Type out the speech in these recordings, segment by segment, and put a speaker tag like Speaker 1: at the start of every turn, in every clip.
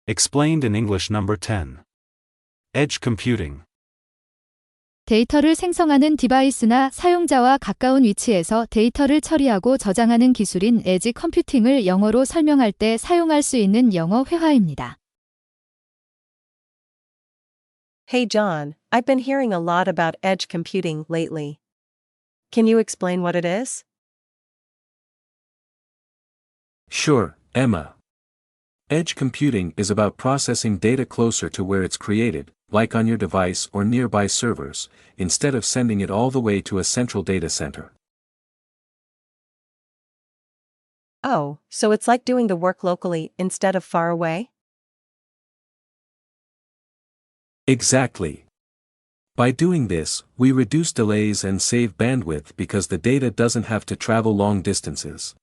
Speaker 1: Explained in English number 10. Edge computing.
Speaker 2: 데이터를 생성하는 디바이스나 사용자와 가까운 위치에서 데이터를 처리하고 저장하는 기술인 에지 컴퓨팅을 영어로 설명할 때 사용할 수 있는 영어 회화입니다.
Speaker 3: Hey John, I've been hearing a lot about edge computing lately. Can you explain what it is?
Speaker 4: Sure, Emma. Edge computing is about processing data closer to where it's created, like on your device or nearby servers, instead of sending it all the way to a central data center.
Speaker 3: Oh, so it's like doing the work locally instead of far away?
Speaker 4: Exactly. By doing this, we reduce delays and save bandwidth because the data doesn't have to travel long distances.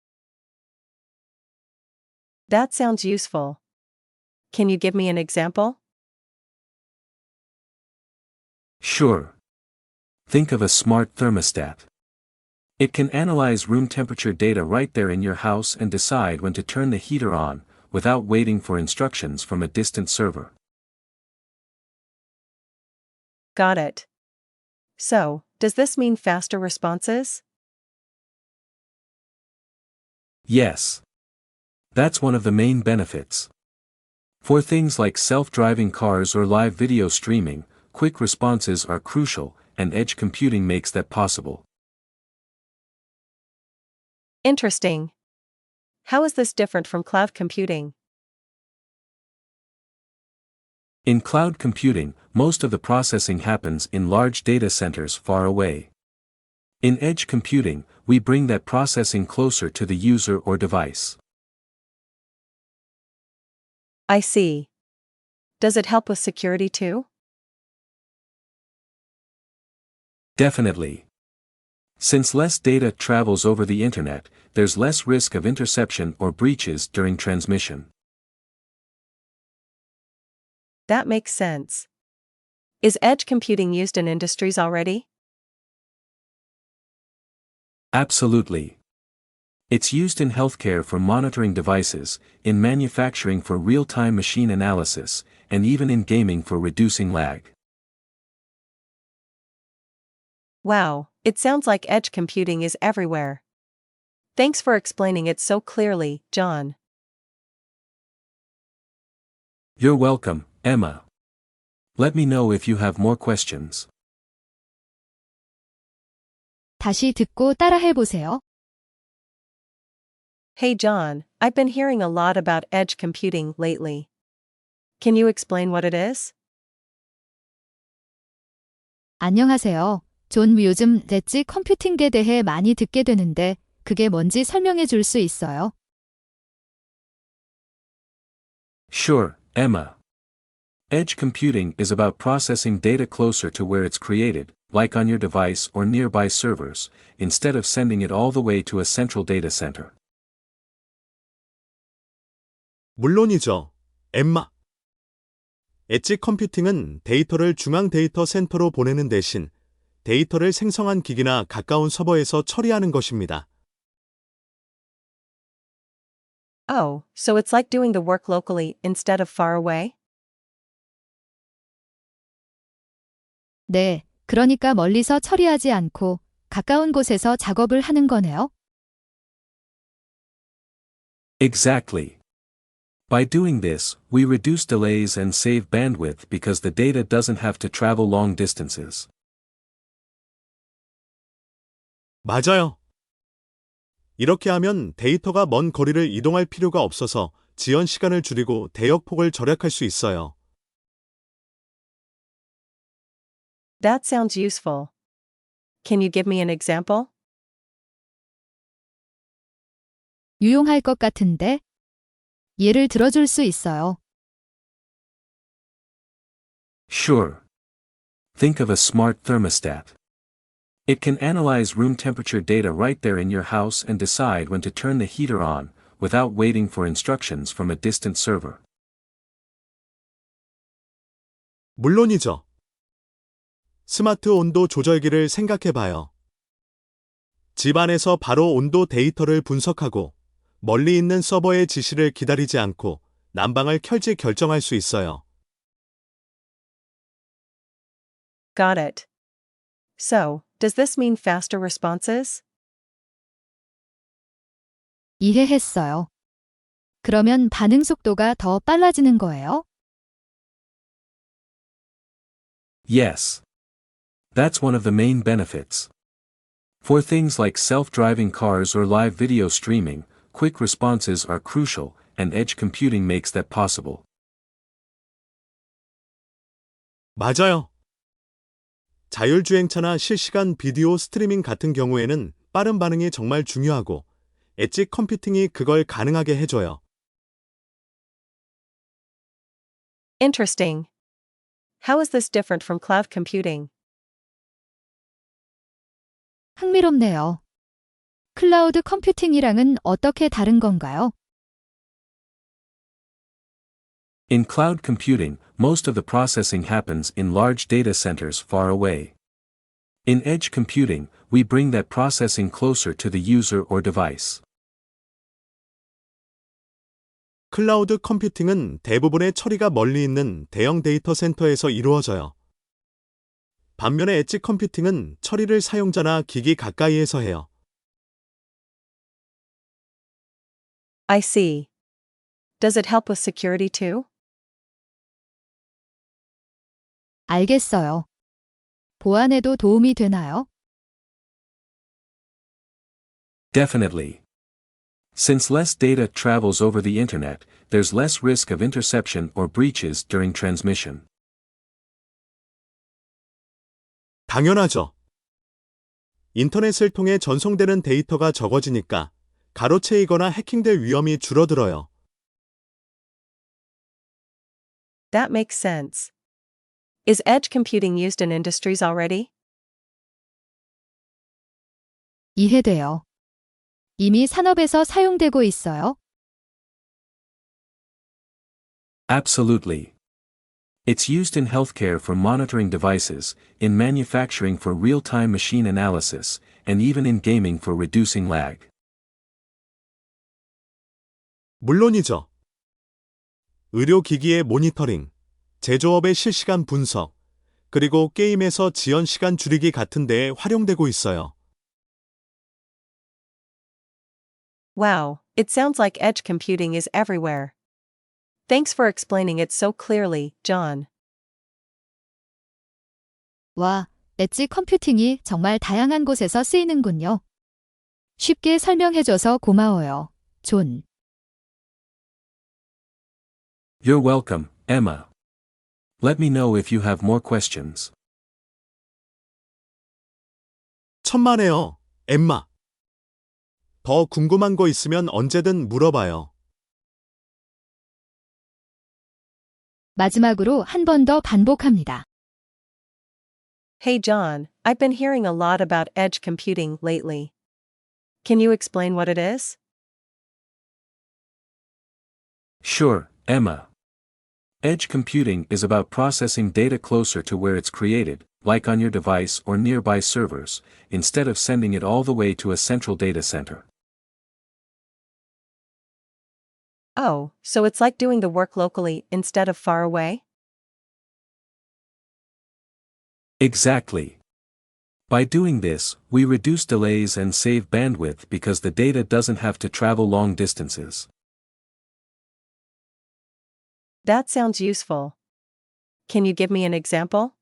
Speaker 3: That sounds useful. Can you give me an example?
Speaker 4: Sure. Think of a smart thermostat. It can analyze room temperature data right there in your house and decide when to turn the heater on, without waiting for instructions from a distant server.
Speaker 3: Got it. So, does this mean faster responses?
Speaker 4: Yes. That's one of the main benefits. For things like self-driving cars or live video streaming, quick responses are crucial, and edge computing makes that possible.
Speaker 3: Interesting. How is this different from cloud computing?
Speaker 4: In cloud computing, most of the processing happens in large data centers far away. In edge computing, we bring that processing closer to the user or device.
Speaker 3: I see. Does it help with security too?
Speaker 4: Definitely. Since less data travels over the internet, there's less risk of interception or breaches during transmission.
Speaker 3: That makes sense. Is edge computing used in industries already?
Speaker 4: Absolutely. It's used in healthcare for monitoring devices, in manufacturing for real-time machine analysis, and even in gaming for reducing lag.
Speaker 3: Wow, it sounds like edge computing is everywhere. Thanks for explaining it so clearly, John.
Speaker 4: You're welcome, Emma. Let me know if you have more questions.
Speaker 2: 다시 듣고 따라해 보세요.
Speaker 3: Hey John, I've been hearing a lot about edge computing lately. Can you explain what it is?
Speaker 2: 안녕하세요. 존, 요즘 엣지 컴퓨팅에 대해 많이 듣게 되는데 그게 뭔지 설명해 줄 수 있어요?
Speaker 4: Sure, Emma. Edge computing is about processing data closer to where it's created, like on your device or nearby servers, instead of sending it all the way to a central data center.
Speaker 5: 물론이죠, 엠마. 엣지 컴퓨팅은 데이터를 중앙 데이터 센터로 보내는 대신 데이터를 생성한 기기나 가까운 서버에서 처리하는 것입니다.
Speaker 3: Oh, so it's like doing the work locally instead of far away?
Speaker 2: 네, 그러니까 멀리서 처리하지 않고 가까운 곳에서 작업을 하는 거네요.
Speaker 4: Exactly. By doing this, we reduce delays and save bandwidth because the data doesn't have to travel long distances.
Speaker 5: 맞아요. 이렇게 하면 데이터가 먼 거리를 이동할 필요가 없어서 지연 시간을 줄이고 대역폭을 절약할 수 있어요.
Speaker 3: That sounds useful. Can you give me an example?
Speaker 2: 유용할 것 같은데 예를 들어줄 수 있어요.
Speaker 4: Sure. Think of a smart thermostat. It can analyze room temperature data right there in your house and decide when to turn the heater on, without waiting for instructions from a distant server.
Speaker 5: 물론이죠. 스마트 온도 조절기를 생각해봐요. 집 안에서 바로 온도 데이터를 분석하고 멀리 있는 서버의 지시를 기다리지 않고 난방을 켤지 결정할 수 있어요.
Speaker 3: Got it. So, does this mean faster responses?
Speaker 2: 이해했어요. 그러면 반응 속도가 더 빨라지는 거예요?
Speaker 4: Yes. That's one of the main benefits. For things like self-driving cars or live video streaming, quick responses are crucial, and edge computing makes that possible.
Speaker 5: 맞아요. 자율주행차나 실시간 비디오 스트리밍 같은 경우에는 빠른 반응이 정말 중요하고, 엣지 컴퓨팅이 그걸 가능하게 해줘요.
Speaker 3: Interesting. How is this different from cloud computing?
Speaker 2: 흥미롭네요. 클라우드 컴퓨팅이랑은 어떻게 다른 건가요?
Speaker 4: In cloud computing, most of the processing happens in large data centers far away. In edge computing, we bring that processing closer to the user or device.
Speaker 5: 클라우드 컴퓨팅은 대부분의 처리가 멀리 있는 대형 데이터 센터에서 이루어져요. 반면에 엣지 컴퓨팅은 처리를 사용자나 기기 가까이에서 해요.
Speaker 3: I see. Does it help with security too?
Speaker 2: 알겠어요. 보안에도 도움이 되나요?
Speaker 4: Definitely. Since less data travels over the internet, there's less risk of interception or breaches during transmission.
Speaker 5: 당연하죠. 인터넷을 통해 전송되는 데이터가 적어지니까 가로채이거나 해킹될 위험이 줄어들어요.
Speaker 3: That makes sense. Is edge computing used in industries already?
Speaker 2: 이해돼요. 이미 산업에서 사용되고 있어요?
Speaker 4: Absolutely. It's used in healthcare for monitoring devices, in manufacturing for real-time machine analysis, and even in gaming for reducing lag.
Speaker 5: 물론이죠. 의료기기의 모니터링, 제조업의 실시간 분석, 그리고 게임에서 지연 시간 줄이기 같은 데에 활용되고 있어요.
Speaker 3: Wow, it sounds like edge computing is everywhere. Thanks for explaining it so clearly, John.
Speaker 2: 와, 엣지 컴퓨팅이 정말 다양한 곳에서 쓰이는군요. 쉽게 설명해줘서 고마워요, 존.
Speaker 4: You're welcome, Emma. Let me know if you have more questions.
Speaker 5: 천만에요, 엠마. 더 궁금한 거 있으면 언제든 물어봐요.
Speaker 2: 마지막으로 한 번 더 반복합니다.
Speaker 3: Hey John, I've been hearing a lot about edge computing lately. Can you explain what it is?
Speaker 4: Sure, Emma. Edge computing is about processing data closer to where it's created, like on your device or nearby servers, instead of sending it all the way to a central data center.
Speaker 3: Oh, so it's like doing the work locally instead of far away?
Speaker 4: Exactly. By doing this, we reduce delays and save bandwidth because the data doesn't have to travel long distances.
Speaker 3: That sounds useful. Can you give me an example?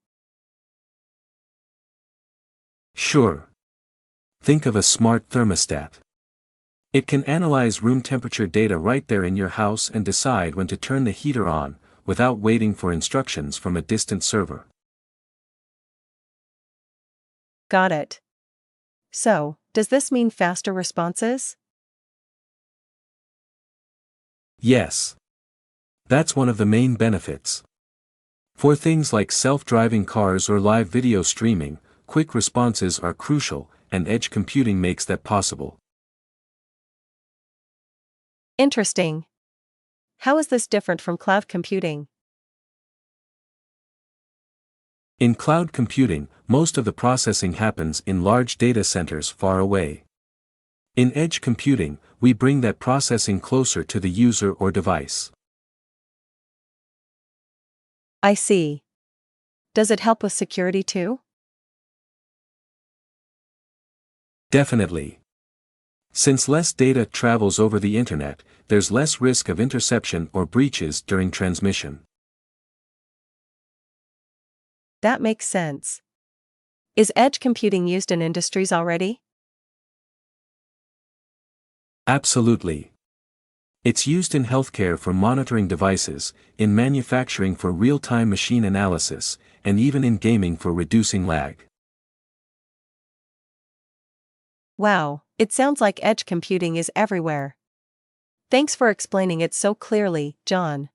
Speaker 4: Sure. Think of a smart thermostat. It can analyze room temperature data right there in your house and decide when to turn the heater on, without waiting for instructions from a distant server.
Speaker 3: Got it. So, does this mean faster responses?
Speaker 4: Yes. That's one of the main benefits. For things like self-driving cars or live video streaming, quick responses are crucial, and edge computing makes that possible.
Speaker 3: Interesting. How is this different from cloud computing?
Speaker 4: In cloud computing, most of the processing happens in large data centers far away. In edge computing, we bring that processing closer to the user or device.
Speaker 3: I see. Does it help with security too?
Speaker 4: Definitely. Since less data travels over the internet, there's less risk of interception or breaches during transmission.
Speaker 3: That makes sense. Is edge computing used in industries already?
Speaker 4: Absolutely. It's used in healthcare for monitoring devices, in manufacturing for real-time machine analysis, and even in gaming for reducing lag.
Speaker 3: Wow, it sounds like edge computing is everywhere. Thanks for explaining it so clearly, John.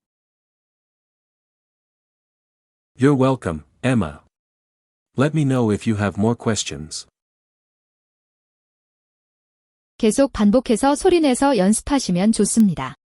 Speaker 4: You're welcome, Emma. Let me know if you have more questions.
Speaker 2: 계속 반복해서 소리내서 연습하시면 좋습니다.